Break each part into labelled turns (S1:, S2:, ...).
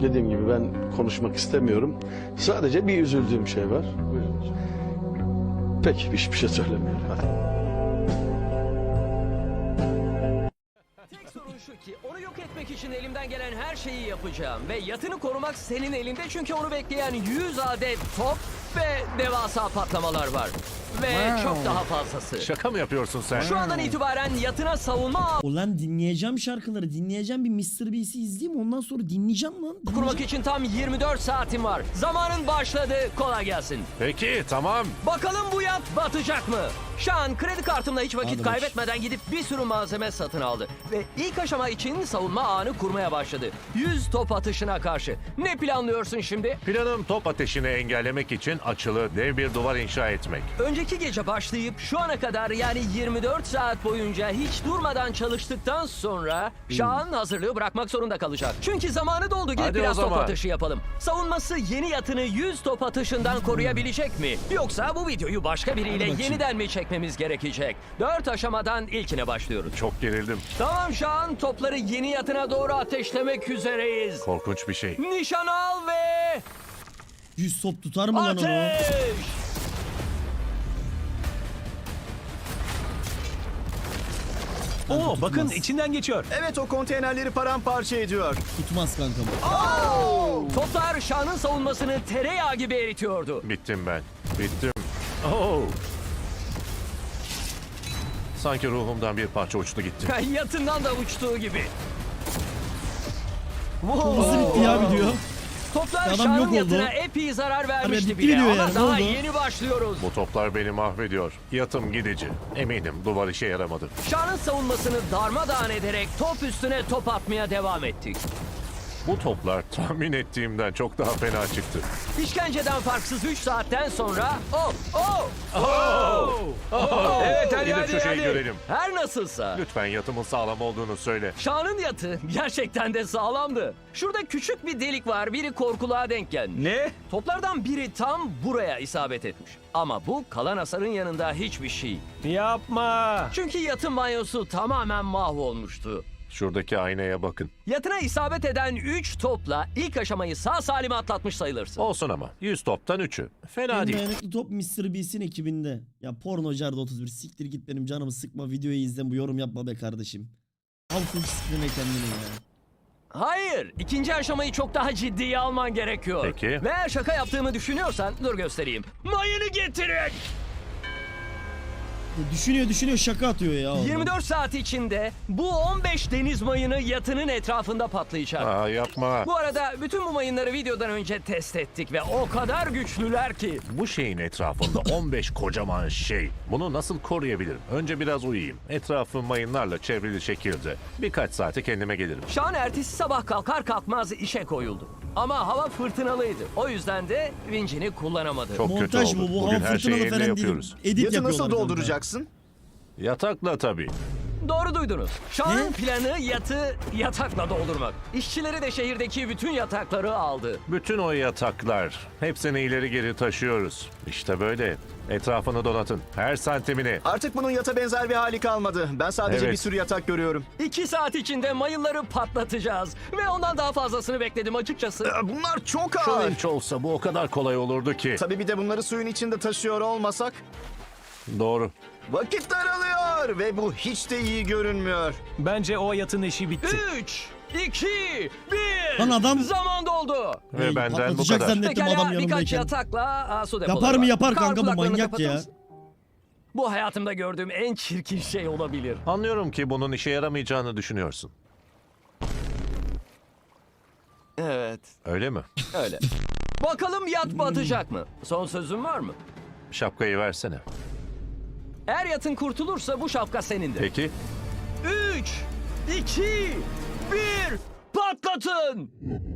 S1: dediğim gibi ben konuşmak istemiyorum. Sadece bir üzüldüğüm şey var. Peki hiçbir şey söylemiyorum. Hadi.
S2: Tek sorun şu ki onu yok etmek için elimden gelen her şeyi yapacağım. Ve yatını korumak senin elinde çünkü onu bekleyen 100 adet top ve devasa patlamalar var. Ve çok daha fazlası.
S3: Şaka mı yapıyorsun sen?
S2: Şu andan itibaren yatına savunma
S4: Ulan dinleyeceğim şarkıları. Dinleyeceğim, bir Mr. Beast'i izleyeyim. Ondan sonra dinleyeceğim lan.
S2: kurmak için tam 24 saatim var. Zamanın başladı. Kolay gelsin.
S3: Peki tamam.
S2: Bakalım bu yat batacak mı? Şu an kredi kartımla hiç vakit
S4: Hadi
S2: kaybetmeden gidip bir sürü malzeme satın aldı. Ve ilk aşama için savunma ağını kurmaya başladı. 100 top atışına karşı. Ne planlıyorsun şimdi?
S3: Planım top ateşini engellemek için açılı dev bir duvar inşa etmek.
S2: Önceki gece başlayıp şu ana kadar yani 24 saat boyunca hiç durmadan çalıştıktan sonra Şahan hazırlığı bırakmak zorunda kalacak. Çünkü zamanı doldu, gidip
S3: Hadi o
S2: biraz top
S3: zaman.
S2: atışı yapalım. Savunması yeni yatını 100 top atışından koruyabilecek mi? Yoksa bu videoyu başka biriyle
S4: bakayım.
S2: yeniden mi çekmemiz gerekecek? 4 aşamadan ilkine başlıyoruz.
S3: Çok gerildim.
S2: Tamam Şahan, topları yeni yatına doğru ateşlemek üzereyiz.
S3: Korkunç bir şey.
S2: Nişan al ve
S4: 100 top tutar mı lan onu?
S2: ateş!
S5: Oo bakın
S4: tutmaz.
S5: içinden geçiyor.
S6: Evet, o konteynerleri paramparça ediyor.
S4: Tutmaz kanka bu.
S2: Toplar Şahan'ın savunmasını tereyağı gibi eritiyordu.
S3: Bittim ben. Bittim. Oh. Sanki ruhumdan bir parça uçtu gitti.
S2: Yatından da uçtuğu gibi.
S4: Nasıl bitti ya video?
S2: Toplar
S4: Adam
S2: Şahan'ın
S4: yok oldu.
S2: yatına epey zarar vermişti
S4: bitti
S2: bile
S4: diyor
S2: ama
S4: yani, ne
S2: daha
S4: oldu?
S2: yeni başlıyoruz.
S3: Bu toplar beni mahvediyor. Yatım gidici. Eminim duvar işe yaramadı.
S2: Şahan'ın savunmasını darmadağın ederek top üstüne top atmaya devam ettik.
S3: Bu toplar tahmin ettiğimden çok daha fena çıktı.
S2: İşkenceden farksız 3 saatten sonra...
S3: Evet
S2: hadi,
S3: Gidip
S2: hadi,
S3: şu şeyi
S2: hadi.
S3: görelim.
S2: Her nasılsa.
S3: Lütfen yatımın sağlam olduğunu söyle.
S2: Şahan'ın yatı gerçekten de sağlamdı. Şurada küçük bir delik var. Biri korkuluğa denk gelmiş.
S5: Ne?
S2: Toplardan biri tam buraya isabet etmiş. Ama bu kalan hasarın yanında hiçbir şey.
S5: Yapma.
S2: Çünkü yatın banyosu tamamen mahvolmuştu.
S3: Şuradaki aynaya bakın.
S2: Yatına isabet eden 3 topla ilk aşamayı sağ salim atlatmış sayılırsın.
S3: Olsun ama 100 toptan 3'ü. Fena
S4: En
S3: değil.
S4: dayanıklı top Mr. Beast'in ekibinde. Ya pornocarda 31. Siktir git, benim canımı sıkma, videoyu izle, bu yorum yapma be kardeşim. Al full sıkma kendini ya.
S2: Hayır, ikinci aşamayı çok daha ciddiye alman gerekiyor.
S3: Peki.
S2: Ve eğer şaka yaptığımı düşünüyorsan dur göstereyim. Mayını getirin.
S4: Düşünüyor şaka atıyor ya. oradan.
S2: 24 saat içinde bu 15 deniz mayını yatının etrafında patlayacak.
S3: Aa, yapma.
S2: Bu arada bütün bu mayınları videodan önce test ettik ve o kadar güçlüler ki.
S3: Bu şeyin etrafında 15 kocaman şey. Bunu nasıl koruyabilirim? Önce biraz uyuyayım. Etrafı mayınlarla çevrili şekilde. Birkaç saate kendime gelirim.
S2: Şahan ertesi sabah kalkar kalkmaz işe koyuldu. Ama hava fırtınalıydı. O yüzden de vincini kullanamadı.
S3: Çok kötü
S4: Montaj
S3: oldu.
S4: bu. Bu
S3: Bugün
S4: hava
S3: her şeyi
S4: fırtınalı
S3: evde
S4: falan değil.
S3: yapıyoruz.
S4: Edit
S6: Yatı
S4: yapıyorlar
S6: nasıl
S4: kanka.
S6: dolduracaksın?
S3: Yatakla tabii.
S2: Doğru duydunuz. Şahan'ın
S4: Ne?
S2: planı yatı yatakla doldurmak. İşçileri de şehirdeki bütün yatakları aldı.
S3: Bütün o yataklar. Hepsini ileri geri taşıyoruz. İşte böyle. Etrafını donatın. Her santimini.
S6: Artık bunun yata benzer bir hali kalmadı. Ben sadece
S3: Evet.
S6: bir sürü yatak görüyorum.
S2: 2 saat içinde mayınları patlatacağız. Ve ondan daha fazlasını bekledim açıkçası.
S6: Bunlar çok
S3: Şu
S6: ağır.
S3: vinç olsa bu o kadar kolay olurdu ki.
S6: Tabii bir de bunları suyun içinde taşıyor olmasak.
S3: Doğru.
S6: Vakit daralıyor ve bu hiç de iyi görünmüyor.
S5: Bence o yatın işi bitti.
S2: 3, 2, 1.
S4: Lan adam-
S2: Zaman doldu.
S3: Ve benden bu
S4: Patlatacak
S3: kadar.
S4: zannettim adam
S2: Pekala birkaç
S4: yanımdayken.
S2: yatakla su depoları
S4: Yapar mı
S2: var.
S4: yapar
S2: Kar
S4: kanka, bu
S2: kulaklarını
S4: manyak
S2: kapatır
S4: ya.
S2: mısın? Bu hayatımda gördüğüm en çirkin şey olabilir.
S3: Anlıyorum ki bunun işe yaramayacağını düşünüyorsun.
S2: Evet,
S3: Öyle mi?
S2: öyle. Bakalım yat batacak mı? Son sözün var mı?
S3: Şapkayı versene.
S2: Eğer yatın kurtulursa bu şapka senindir.
S3: Peki.
S2: 3, 2, 1, patlatın!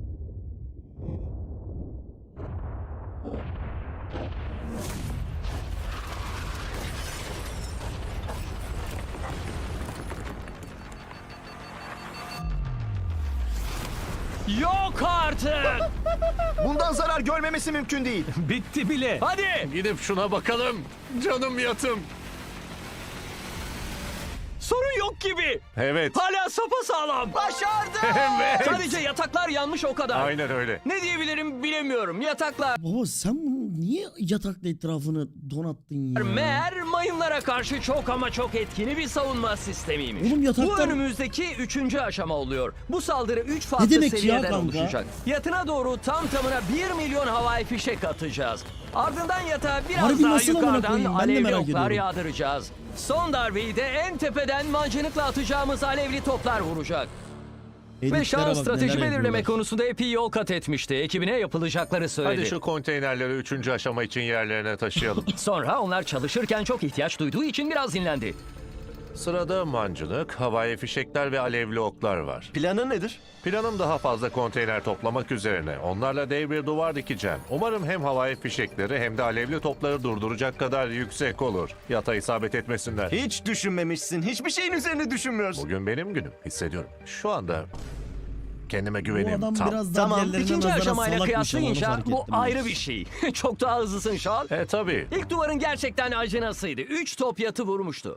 S2: Yok artık!
S6: Bundan zarar görmemesi mümkün değil.
S5: Bitti bile.
S2: Hadi!
S3: Gidip şuna bakalım. Canım yatım.
S2: Sorun yok gibi.
S3: Evet.
S2: Hala sapasağlam.
S6: Başardı.
S3: Evet.
S2: Sadece yataklar yanmış o kadar.
S3: Aynen öyle.
S2: Ne diyebilirim bilemiyorum. Yataklar
S4: Baba sen bunu niye yatakla etrafını donattın ya?
S2: meğer mayınlara karşı çok ama çok etkili bir savunma sistemiymiş.
S4: Oğlum yataklar-
S2: Bu önümüzdeki 3. aşama oluyor. Bu saldırı 3 farklı
S4: demek ya
S2: seviyeden
S4: kanka?
S2: oluşacak. Yatına doğru tam tamına 1 milyon havai fişek atacağız. Ardından yatağa biraz
S4: Harbi
S2: daha
S4: nasıl amına
S2: yukarıdan
S4: koyayım? Ben de
S2: alevli
S4: merak
S2: oklar
S4: ediyorum.
S2: yağdıracağız. Son darbeyi de en tepeden mancınıkla atacağımız alevli toplar vuracak. Ve
S4: Editlere
S2: Sean
S4: bak,
S2: strateji
S4: neler
S2: belirleme
S4: yapıyorlar.
S2: konusunda epey yol kat etmişti. Ekibine yapılacakları söyledi.
S3: Hadi şu konteynerleri 3. aşama için yerlerine taşıyalım.
S2: Sonra onlar çalışırken çok ihtiyaç duyduğu için biraz dinlendi.
S3: Sırada mancınık, havai fişekler ve alevli oklar var.
S6: Planın nedir?
S3: Planım daha fazla konteyner toplamak üzerine. Onlarla dev bir duvar dikeceğim. Umarım hem havai fişekleri hem de alevli topları durduracak kadar yüksek olur. Yata isabet etmesinler.
S6: Hiç düşünmemişsin. Hiçbir şeyin üzerine düşünmüyorsun.
S3: Bugün benim günüm. Hissediyorum. Şu anda kendime
S4: Bu
S3: güvenim
S4: adam
S3: tam.
S4: biraz daha
S6: Tamam,
S4: diğerlerine
S2: İkinci
S4: nazaran
S2: aşamayla
S4: salakmış ama onu
S2: kıyaslayınca
S4: fark
S2: bu
S4: ettim.
S2: ayrı bir şey. Çok daha hızlısın Sean.
S3: Tabii.
S2: İlk duvarın gerçekten acınasıydı. 3 top yatı vurmuştu.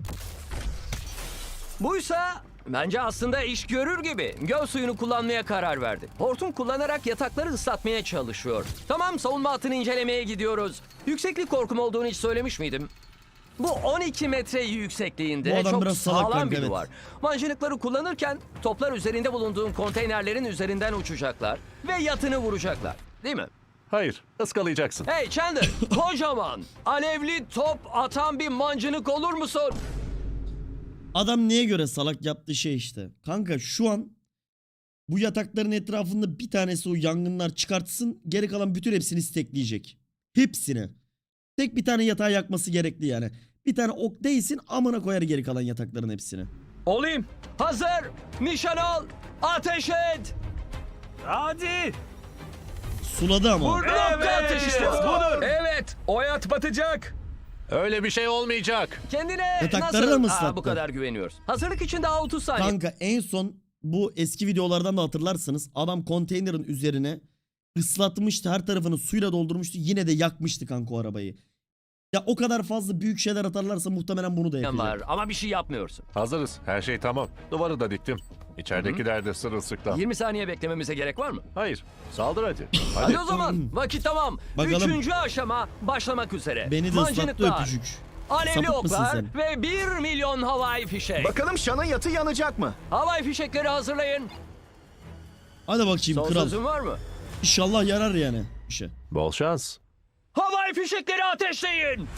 S2: Buysa bence aslında iş görür gibi. Göl suyunu kullanmaya karar verdi. Hortum kullanarak yatakları ıslatmaya çalışıyor. Tamam, savunma hattını incelemeye gidiyoruz. Yükseklik korkum olduğunu hiç söylemiş miydim? Bu 12 metre
S4: Bu
S2: yüksekliğinde
S4: adam
S2: çok
S4: biraz salak
S2: sağlam
S4: kanka,
S2: bir
S4: evet.
S2: duvar. Mancınıkları kullanırken toplar üzerinde bulunduğun konteynerlerin üzerinden uçacaklar ve yatını vuracaklar. Değil mi?
S3: Hayır. Iskalayacaksın.
S2: Hey Chandler, kocaman, alevli top atan bir mancınık olur musun?
S4: Adam neye göre salak yaptığı şey işte. Kanka şu an bu yatakların etrafında bir tanesi o yangınlar çıkartsın. Geri kalan bütün hepsini stekleyecek. Hepsini. Tek bir tane yatağı yakması gerekli yani. Bir tane ok değsin amına koyar geri kalan yatakların hepsini.
S5: Olayım.
S2: Hazır, nişan al, ateş et.
S5: Hadi.
S4: Suladı ama.
S2: Blokla ateş et.
S5: Budur.
S7: Evet, o yat batacak.
S3: Öyle bir şey olmayacak.
S2: Kendine
S4: Yatakları
S2: nasıl
S4: da mı ıslattı?
S2: bu kadar güveniyoruz? Hazırlık için daha 30 saniye.
S4: Kanka en son bu eski videolardan da hatırlarsınız. Adam konteynerin üzerine ıslatmıştı. Her tarafını suyla doldurmuştu. Yine de yakmıştı kanka o arabayı. Ya o kadar fazla büyük şeyler atarlarsa muhtemelen bunu da yapacak.
S2: var ama bir şey yapmıyorsun.
S3: Hazırız. Her şey tamam. Duvarı da diktim. İçeridekiler de sırılsıklam.
S2: 20 saniye beklememize gerek var mı?
S3: Hayır. Saldır hadi.
S2: Hadi o zaman. Vakit tamam.
S4: Bakalım.
S2: 3. aşama başlamak üzere.
S4: Beni de ıslattı
S2: Mancınıklar,
S4: öpücük.
S2: alevli
S4: Sapık mısın
S2: oklar
S4: sen?
S2: ve 1 milyon havai fişek.
S6: Bakalım Sean'ın yatı yanacak mı?
S2: Havai fişekleri hazırlayın.
S4: Hadi bakayım
S2: Son
S4: kral.
S2: sözün var mı?
S4: İnşallah yarar yani. Bir şey.
S3: Bol şans.
S2: Havai fişekleri ateşleyin.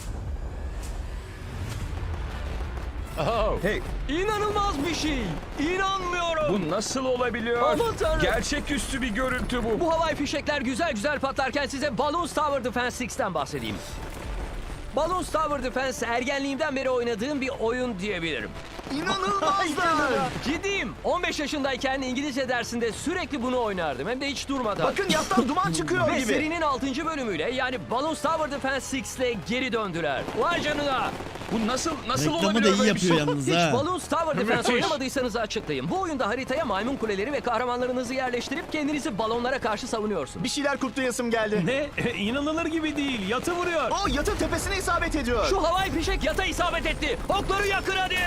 S3: Oh.
S7: Hey,
S2: İnanılmaz bir şey. İnanmıyorum.
S7: bu nasıl olabiliyor?
S2: Aman tanrım.
S7: Gerçeküstü bir görüntü bu.
S2: Bu havai fişekler güzel güzel patlarken size Balloons Tower Defense 6'ten bahsedeyim. Balloons Tower Defense ergenliğimden beri oynadığım bir oyun diyebilirim.
S6: İnanılmazlar.
S2: Ciddiyim. 15 yaşındayken İngilizce dersinde sürekli bunu oynardım. Hem de hiç durmadan.
S6: Bakın yattan duman çıkıyor
S2: Ve
S6: gibi.
S2: serinin 6. bölümüyle yani Balloons Tower Defense 6 ile geri döndüler. Vay canına.
S7: Bu nasıl
S4: Reklamı da
S7: olabiliyor
S4: iyi
S7: böyle bir şey?
S4: yapıyor yalnız
S2: Hiç
S4: ha.
S2: Balloons Tower Defense
S3: Müthiş.
S2: oynamadıysanız açıklayayım. Bu oyunda haritaya maymun kuleleri ve kahramanlarınızı yerleştirip kendinizi balonlara karşı savunuyorsunuz.
S6: Bir şeyler kutlayasım geldi.
S5: Ne? İnanılır gibi değil. Yatı vuruyor.
S6: O yatın tepesine isabet ediyor.
S2: Şu havai fişek yata isabet etti. Okları yakın hadi.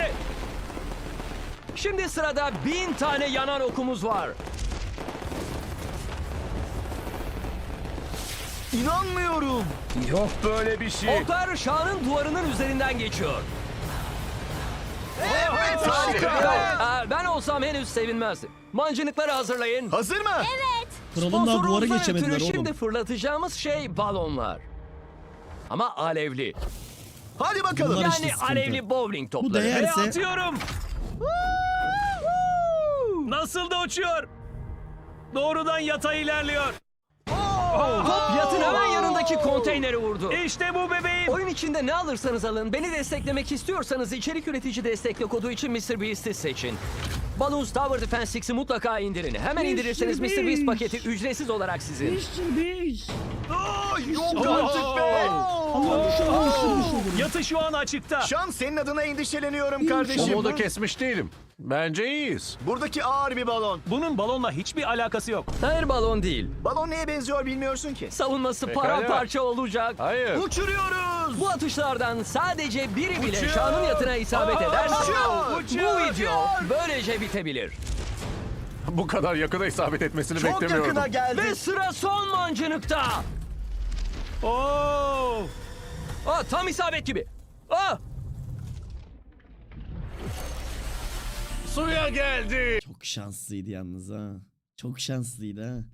S2: Şimdi sırada 1000 tane yanan okumuz var.
S6: İnanmıyorum.
S7: Yok böyle bir şey.
S2: Oklar Şah'ın duvarının üzerinden geçiyor.
S6: Evet harika.
S2: Ben olsam henüz sevinmezdim. Mancınıkları hazırlayın.
S6: Hazır mı?
S4: Kralın daha duvara
S2: Sponsorumuzdan
S4: geçemediler
S2: ötürü
S4: oğlum.
S2: şimdi fırlatacağımız şey balonlar. Ama alevli.
S6: Hadi bakalım.
S4: Bunlar- işte
S2: Yani
S4: sıkıntı.
S2: alevli bowling
S4: Bu
S2: topları.
S4: değer-
S5: Ve
S4: Yerse-
S5: atıyorum. Nasıl da uçuyor. Doğrudan yata ilerliyor.
S2: Top yatın hemen yanındaki konteyneri vurdu.
S5: İşte bu bebeğim.
S2: Oyun içinde ne alırsanız alın, beni desteklemek istiyorsanız içerik üretici destekle kodu için MrBeast'i seçin. Balloons Tower Defense 6'i mutlaka indirin. Hemen indirirseniz MrBeast paketi ücretsiz olarak sizin.
S6: Yok artık be.
S5: Yatı şu an açıkta.
S6: Sean senin adına endişeleniyorum kardeşim.
S3: Umudu kesmiş değilim. Bence iyiyiz.
S6: Buradaki ağır bir balon.
S5: Bunun balonla hiçbir alakası yok.
S2: Hayır, balon değil.
S6: Balon neye benziyor bilmiyorsun ki.
S2: Savunması
S3: Pekala.
S2: paramparça olacak.
S3: Hayır.
S6: Uçuruyoruz.
S2: Bu atışlardan sadece biri bile Şan'ın yatına isabet ederse bu video böylece bitebilir.
S3: Bu kadar yakına isabet etmesini
S6: Çok
S3: beklemiyordum.
S6: yakına geldi.
S2: Ve sıra son mancınıkta.
S5: Oo!
S2: Tam isabet gibi.
S3: Suya geldi.
S4: Çok şanslıydı yalnız ha. Çok şanslıydı ha.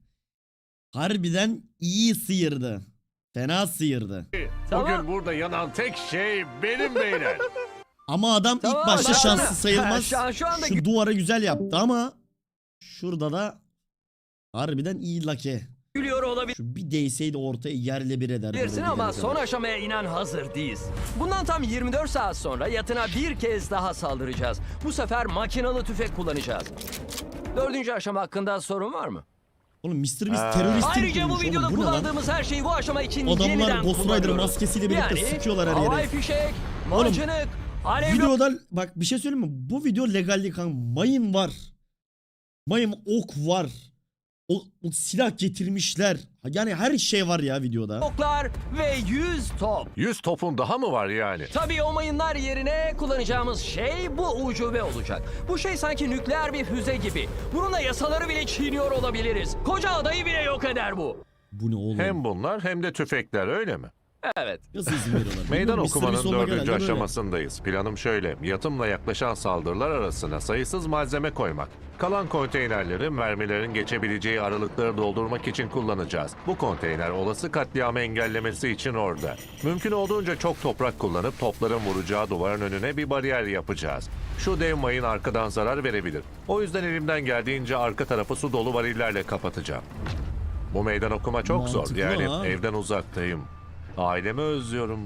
S4: Harbiden iyi sıyırdı. Fena sıyırdı.
S2: Tamam.
S3: Bugün burada yanan tek şey benim beyler.
S4: Ama adam
S2: Tamam,
S4: ilk başta
S2: tamam.
S4: şanslı sayılmaz.
S2: Şu anda
S4: Şu duvara güzel yaptı ama şurada da harbiden iyi lake.
S2: gülüyor
S4: Şu bir değseydi ortaya yerle bir ederdi.
S2: olabilirsin
S4: oraya
S2: ama
S4: gidene
S2: son
S4: kadar.
S2: aşamaya inen hazır değiliz. Bundan tam 24 saat sonra yatına bir kez daha saldıracağız. Bu sefer makinalı tüfek kullanacağız. 4. aşama hakkında sorun var mı?
S4: Oğlum Mr. Beast teröristin
S2: Ayrıca bu
S4: kurmuş
S2: videoda
S4: oğlum, bu ne lan?
S2: kullandığımız her şeyi bu aşama için
S4: Adamlar
S2: yeniden
S4: Ghost Rider
S2: kullanıyoruz.
S4: maskesiyle birlikte sıkıyorlar her yere.
S2: havai fişek, mancınık, alevli
S4: Videoda bak bir şey söyleyeyim mi? Bu video legallik kanka. Mayın var. Mayın ok var. O silah getirmişler. Yani her şey var ya videoda.
S2: oklar ve 100 top.
S3: 100 topun daha mı var yani?
S2: Tabii o mayınlar yerine kullanacağımız şey bu ucube olacak. Bu şey sanki nükleer bir füze gibi. Bununla yasaları bile çiğniyor olabiliriz. Koca adayı bile yok eder bu.
S4: Bu ne oğlum?
S3: Hem bunlar hem de tüfekler öyle mi?
S2: Evet.
S4: Nasıl izin veriyorlar?
S3: Meydan
S4: Bilmiyorum, Mr. Beast
S3: okumanın
S4: olmak
S3: 4.
S4: herhalde böyle.
S3: aşamasındayız. Planım şöyle. Yatımla yaklaşan saldırılar arasına sayısız malzeme koymak. Kalan konteynerleri mermilerin geçebileceği aralıkları doldurmak için kullanacağız. Bu konteyner olası katliamı engellemesi için orada. Mümkün olduğunca çok toprak kullanıp topların vuracağı duvarın önüne bir bariyer yapacağız. Şu dev mayın arkadan zarar verebilir. O yüzden elimden geldiğince arka tarafı su dolu varillerle kapatacağım. Bu meydan okuma çok zor.
S4: Mantıklı
S3: Yani
S4: ha.
S3: evden uzaktayım. Ailemi özlüyorum.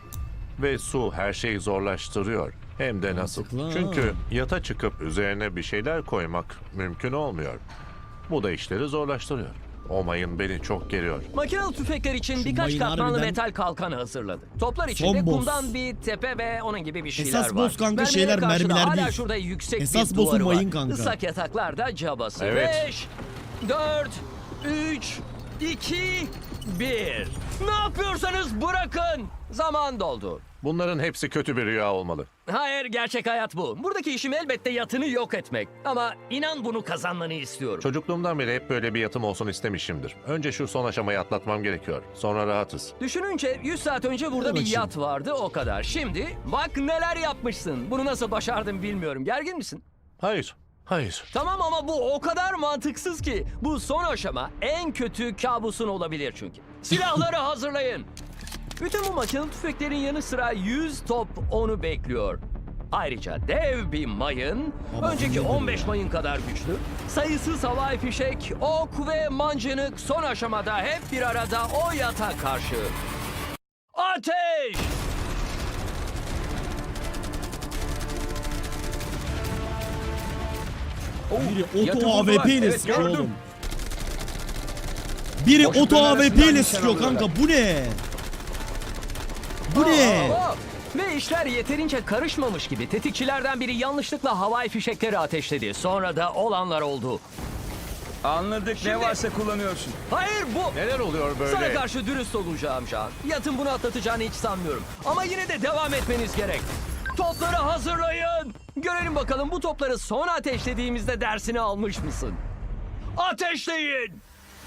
S3: Ve su her şeyi zorlaştırıyor. Hem de nasıl.
S4: Mantıklı ha.
S3: Çünkü yata çıkıp üzerine bir şeyler koymak mümkün olmuyor. Bu da işleri zorlaştırıyor. O mayın beni çok geriyor.
S2: Makinalı tüfekler için
S4: Şu
S2: birkaç
S4: mayın
S2: katmanlı
S4: harbiden-
S2: metal kalkan hazırladı. Toplar içinde
S4: Son boss.
S2: kumdan bir tepe ve onun gibi bir şeyler
S4: Esas
S2: var.
S4: boss kanka
S2: Mermilere
S4: şeyler,
S2: karşı da
S4: mermiler
S2: hala
S4: değil.
S2: şurada yüksek
S4: Esas
S2: bir
S4: boss'u
S2: duvarı
S4: mayın
S2: var.
S4: kanka.
S2: Islak yataklar da cabası.
S3: Evet.
S2: 5, 4, 3, 2, 1. Ne yapıyorsanız bırakın. Zaman doldu.
S3: Bunların hepsi kötü bir rüya olmalı.
S2: Hayır, gerçek hayat bu. Buradaki işim elbette yatını yok etmek. Ama inan bunu kazanmanı istiyorum.
S3: Çocukluğumdan beri hep böyle bir yatım olsun istemişimdir. Önce şu son aşamayı atlatmam gerekiyor. Sonra rahatız.
S2: Düşününce 100 saat önce burada
S4: Hadi
S2: bir
S4: bakayım.
S2: yat vardı, o kadar. Şimdi bak neler yapmışsın. Bunu nasıl başardın bilmiyorum. Gergin misin?
S3: Hayır, hayır.
S2: Tamam ama bu o kadar mantıksız ki. Bu son aşama en kötü kabusun olabilir çünkü. Silahları hazırlayın. Bütün bu makinalı tüfeklerin yanı sıra 100 top onu bekliyor. Ayrıca dev bir mayın,
S4: Ama
S2: önceki
S4: nedir
S2: 15
S4: ya?
S2: mayın kadar güçlü, sayısız havai fişek, ok ve mancınık son aşamada hep bir arada o yata karşı. Ateş!
S4: Biri
S7: Yatı
S4: oto
S7: buldular.
S4: AWP ile
S7: Evet,
S4: sıkıyor
S7: gördüm.
S4: oğlum. Biri
S7: Boşlukların
S4: oto AWP
S7: arasından
S4: ile
S7: nişan
S4: sıkıyor kanka.
S7: alıyorlar.
S4: Bu ne? Bu ne?
S2: Aa! Ve işler yeterince karışmamış gibi tetikçilerden biri yanlışlıkla havai fişekleri ateşledi. Sonra da olanlar oldu.
S7: Anladık,
S2: Şimdi-
S7: ne varsa kullanıyorsun.
S2: Hayır bu...
S3: Neler oluyor böyle?
S2: Sana karşı dürüst olacağım Can. Yatın bunu atlatacağını hiç sanmıyorum. Ama yine de devam etmeniz gerek. Topları hazırlayın. Görelim bakalım bu topları son ateşlediğimizde dersini almış mısın? Ateşleyin.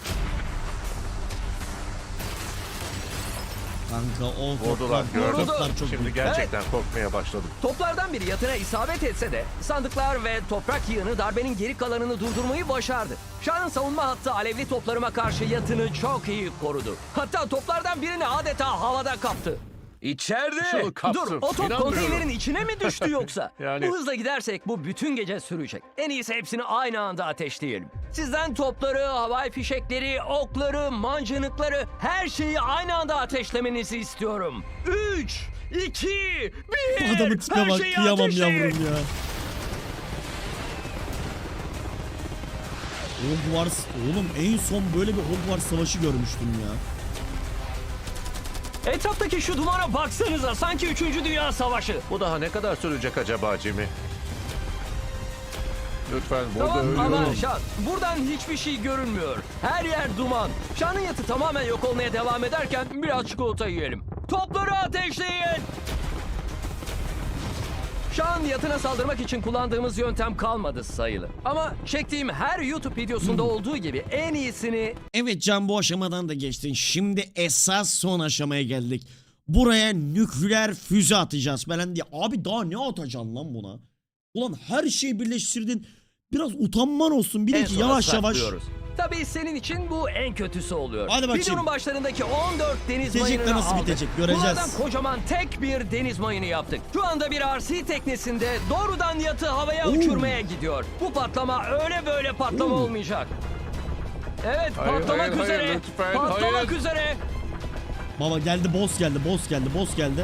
S4: Kanka o
S3: Vurdular,
S4: toplar,
S3: gördüm.
S4: toplar çok
S3: Şimdi
S4: büyük.
S3: gerçekten korkmaya başladım.
S2: Toplardan biri yatına isabet etse de sandıklar ve toprak yığını darbenin geri kalanını durdurmayı başardı. Şah'ın savunma hattı alevli toplarıma karşı yatını çok iyi korudu. Hatta toplardan birini adeta havada kaptı.
S7: İçeride.
S3: Şunu kaptım.
S2: Dur, o top
S3: İnanmıyorum.
S2: konteynerin içine mi düştü yoksa?
S3: Yani-
S2: Bu hızla gidersek bu bütün gece sürecek. En iyisi hepsini aynı anda ateşleyelim. Sizden topları, havai fişekleri, okları, mancınıkları, her şeyi aynı anda ateşlemenizi istiyorum. 3, 2, 1.
S4: Bu adamın tipe
S2: Her
S4: bak.
S2: şeyi
S4: Kıyamam
S2: ateşleyin.
S4: yavrum ya. Hogwarts. Oğlum en son böyle bir Hogwarts savaşı görmüştüm ya.
S2: Etraftaki şu dumana baksanıza, sanki 3. Dünya Savaşı.
S3: Bu daha ne kadar sürecek acaba Jimmy? Lütfen burada
S2: Tamam ama
S3: ölüyorum.
S2: Şan, buradan hiçbir şey görünmüyor. Her yer duman. Şan'ın yatı tamamen yok olmaya devam ederken biraz çikolata yiyelim. Topları ateşleyin. Şu an yatına saldırmak için kullandığımız yöntem kalmadı sayılı. Ama çektiğim her YouTube videosunda olduğu gibi en iyisini
S4: Evet Can, bu aşamadan da geçtin. Şimdi esas son aşamaya geldik. Buraya nükleer füze atacağız falan diye. Abi daha ne atacaksın lan buna? Ulan her şeyi birleştirdin. Biraz utanman olsun. Bir de
S2: en
S4: ki
S2: sona
S4: yavaş yavaş.
S2: saklıyoruz. Tabii senin için bu en kötüsü oluyor.
S4: Hadi bakayım.
S2: Videonun başlarındaki 14 deniz
S4: Bitecek de
S2: mayınını
S4: nasıl
S2: aldık.
S4: bitecek göreceğiz.
S2: Bunlardan kocaman tek bir deniz mayını yaptık. Şu anda bir RC teknesinde doğrudan yatı havaya uçurmaya gidiyor. Bu patlama öyle böyle patlama olmayacak. Evet,
S3: Hayır,
S2: patlamak
S3: hayır,
S2: üzere.
S3: hayır, lütfen,
S2: patlamak
S3: hayır.
S2: üzere.
S4: Baba geldi, boss geldi, boss geldi, boss geldi.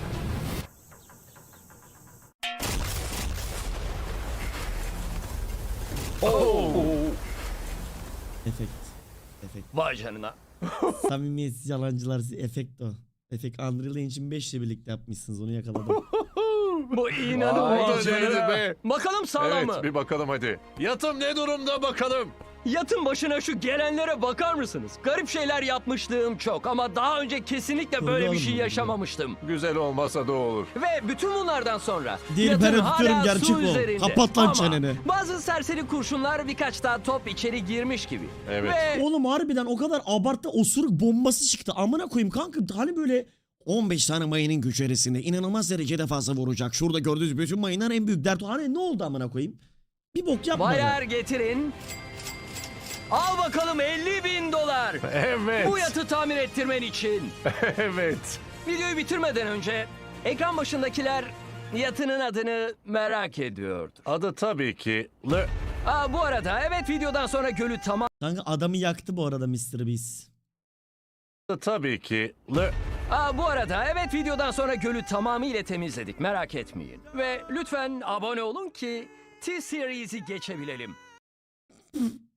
S4: Efekt. Efekt.
S2: Vay canına.
S4: Samimiyetsiz yalancılar, efekt o. Efekt Unreal Engine 5 ile birlikte yapmışsınız, onu yakaladım.
S2: Bu
S3: Vay
S2: inanılmaz.
S3: canına be.
S2: Bakalım sağlam mı?
S3: Evet, bir bakalım hadi. Yatım ne durumda bakalım.
S2: Yatın başına şu gelenlere bakar mısınız? Garip şeyler yapmışlığım çok ama daha önce kesinlikle böyle bir
S4: oğlum
S2: şey
S4: bu.
S2: yaşamamıştım.
S3: Güzel olmasa da olur.
S2: Ve bütün bunlardan sonra
S4: Değil,
S2: yatın
S4: ben öpüyorum,
S2: hala
S4: gerçek
S2: su
S4: o.
S2: üzerinde.
S4: Kapat lan
S2: Ama
S4: çeneni.
S2: bazı serseri kurşunlar birkaç daha top içeri girmiş gibi.
S3: Evet.
S2: Ve
S4: Oğlum harbiden o kadar abarttı, osuruk bombası çıktı. Amına koyayım kanka, hani böyle 15 tane mayının güç erisinde inanılmaz derecede fazla vuracak. Şurada gördüğünüz bütün mayınlar en büyük dert. Hani ne oldu amına koyayım? Bir bok yapmadı.
S2: bayar getirin. Al bakalım $50.000.
S3: Evet.
S2: Bu yatı tamir ettirmen için.
S3: Evet.
S2: Videoyu bitirmeden önce ekran başındakiler yatının adını merak ediyordu.
S3: Adı tabii ki
S2: Bu arada evet, videodan sonra gölü
S4: Kanka adamı yaktı bu arada Mr. Beast.
S3: tabii ki
S2: Bu arada evet, videodan sonra gölü tamamıyla temizledik, merak etmeyin. Ve lütfen abone olun ki T-Series'i geçebilelim.